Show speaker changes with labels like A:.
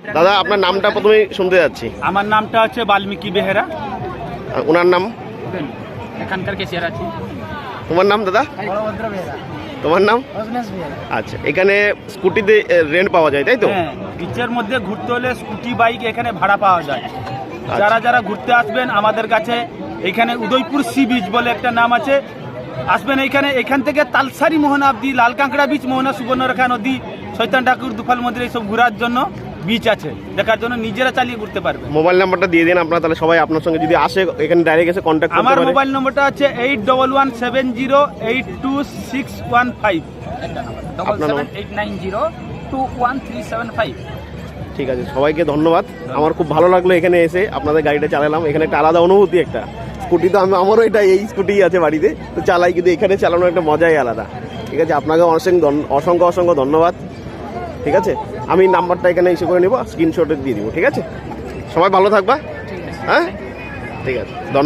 A: দাদা আপনার নামটা প্রথমে শুনতে যাচ্ছি।
B: আমার নামটা হচ্ছে বাল্মীকি বেহেরা।
A: আর ওনার নাম?
B: এখানকার কেশিয়ার আছি।
A: তোমার নাম দাদা?
B: বলভদ্র বেহেরা।
A: তোমার নাম?
B: অবিনাশ বেহেরা।
A: আচ্ছা, এখানে স্কুটিতে রেন্ট পাওয়া যায় তাই তো?
B: হ্যাঁ, বিচের মধ্যে ঘুরতে হলে স্কুটি বাইক এখানে ভাড়া পাওয়া যায়। যারা যারা ঘুরতে আসবেন আমাদের কাছে, এখানে উদয়পুর সি বিচ বলে একটা নাম আছে, আসবেন এইখানে। এখান থেকে তালসারি মোহনা অব্দি, লাল কাঁকড়া বিচ, মোহনা সুবর্ণরেখা নদী, শৈতান ঠাকুর, দুফাল মন্দির, এইসব ঘোরার জন্য বিচ আছে, দেখার জন্য নিজেরা চালিয়ে ঘুরতে পারবে।
A: মোবাইল নাম্বারটা দিয়ে দিন আপনারা, তাহলে সবাই আপনার সঙ্গে যদি আসে এখানে ডাইরেক্ট এসে কন্ট্যাক্ট করতে পারে।
B: আমার মোবাইল নম্বরটা হচ্ছে 8117082615।
A: আপনার নাম?
B: 7789021375।
A: ঠিক আছে, সবাইকে ধন্যবাদ। আমার খুব ভালো লাগলো এখানে এসে, আপনাদের গাড়িটা চালালাম। এখানে একটা আলাদা অনুভূতি, একটা স্কুটি তো আমারও এটা এই স্কুটি আছে বাড়িতে, তো চালাই, কিন্তু এখানে চালানোর একটা মজাই আলাদা। ঠিক আছে, আপনাকে অসংখ্য অসংখ্য ধন্যবাদ। ঠিক আছে, আমি নাম্বারটা এখানে ইস্যু করে নেবো, স্ক্রিনশটে দিয়ে দিব। ঠিক আছে, সবাই ভালো থাকবা। হ্যাঁ, ঠিক আছে।